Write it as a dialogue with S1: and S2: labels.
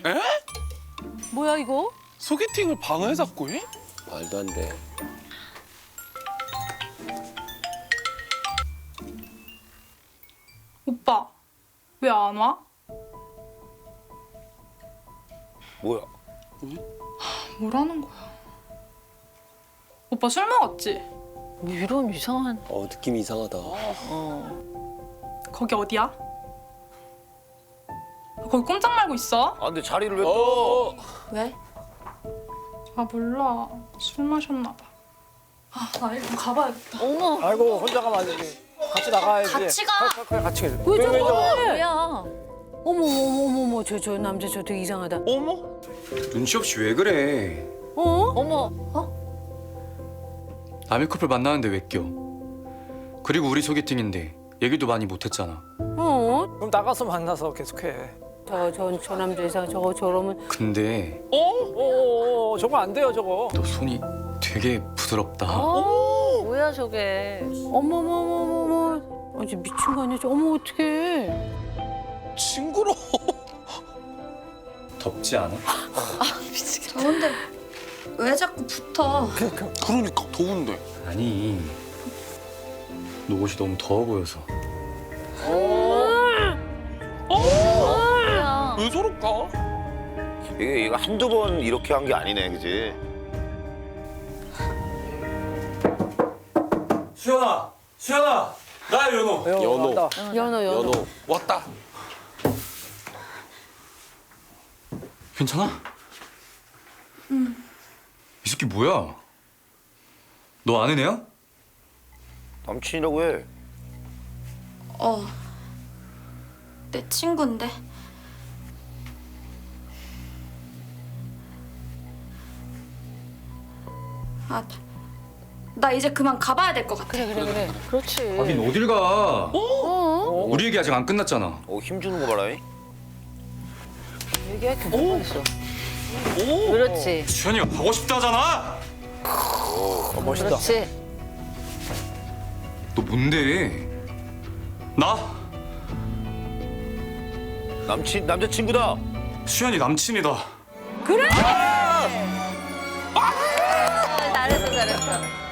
S1: 에?
S2: 뭐야 이거?
S1: 소개팅을 방에 잡고 해?
S3: 말도 안 돼.
S4: 오빠, 왜 안 와?
S3: 뭐야?
S4: 뭐라는 거야? 오빠 술 먹었지?
S2: 뭐 이런 이상한.
S3: 느낌이 이상하다.
S4: 거기 어디야? 거기 꼼짝 말고 있어?
S5: 아 근데 자리를 왜 또?
S4: 왜? 아 몰라. 술 마셨나 봐. 아, 나 일단 가봐야겠다.
S2: 어머.
S5: 아이고 혼자 가면 안 되지. 같이 나가야지.
S4: 같이 가.
S5: 같이 가.
S2: 왜 저래? 뭐야? 어머 저 남자 저 되게 이상하다.
S1: 어머?
S6: 눈치 없이 왜 그래?
S2: 어머.
S6: 남의 커플 만나는데 왜 껴? 그리고 우리 소개팅인데 얘기도 많이 못했잖아.
S5: 그럼 나가서 만나서 계속해.
S2: 저 남자 이상 저러면.
S6: 근데
S5: 저거 안 돼요 저거.
S6: 너 손이 되게 부드럽다.
S2: 뭐야 저게? 어머머머머머. 아주 미친 거 아니야? 어머 어떡해?
S1: 징그러.
S6: 덥지 않아?
S7: 더운데 왜 자꾸 붙어?
S1: 그러니까 더운데.
S6: 아니, 너 옷이 너무 더워 보여서.
S2: 뭐야?
S1: 왜 저럴까?
S8: 이거 한두 번 이렇게 한 게 아니네, 그지?
S6: 수연아, 나야 연호.
S3: 연호.
S5: 왔다.
S2: 연호.
S1: 왔다.
S6: 괜찮아? 이 새끼 뭐야? 너 아는 애야?
S8: 남친이라고 해.
S7: 내 친구인데. 아, 나 이제 그만 가봐야 될 것 같아.
S2: 그래. 그렇지.
S6: 가긴 어딜 가? 우리 얘기 아직 안 끝났잖아.
S8: 힘 주는 거 봐라.
S2: 얘기할 게 뭐가 있어? 그렇지.
S6: 수연이가 가고 싶다잖아.
S5: 멋있다.
S2: 그렇지.
S6: 너 뭔데? 나
S8: 남자친구다.
S6: 수연이 남친이다.
S2: 잘했어.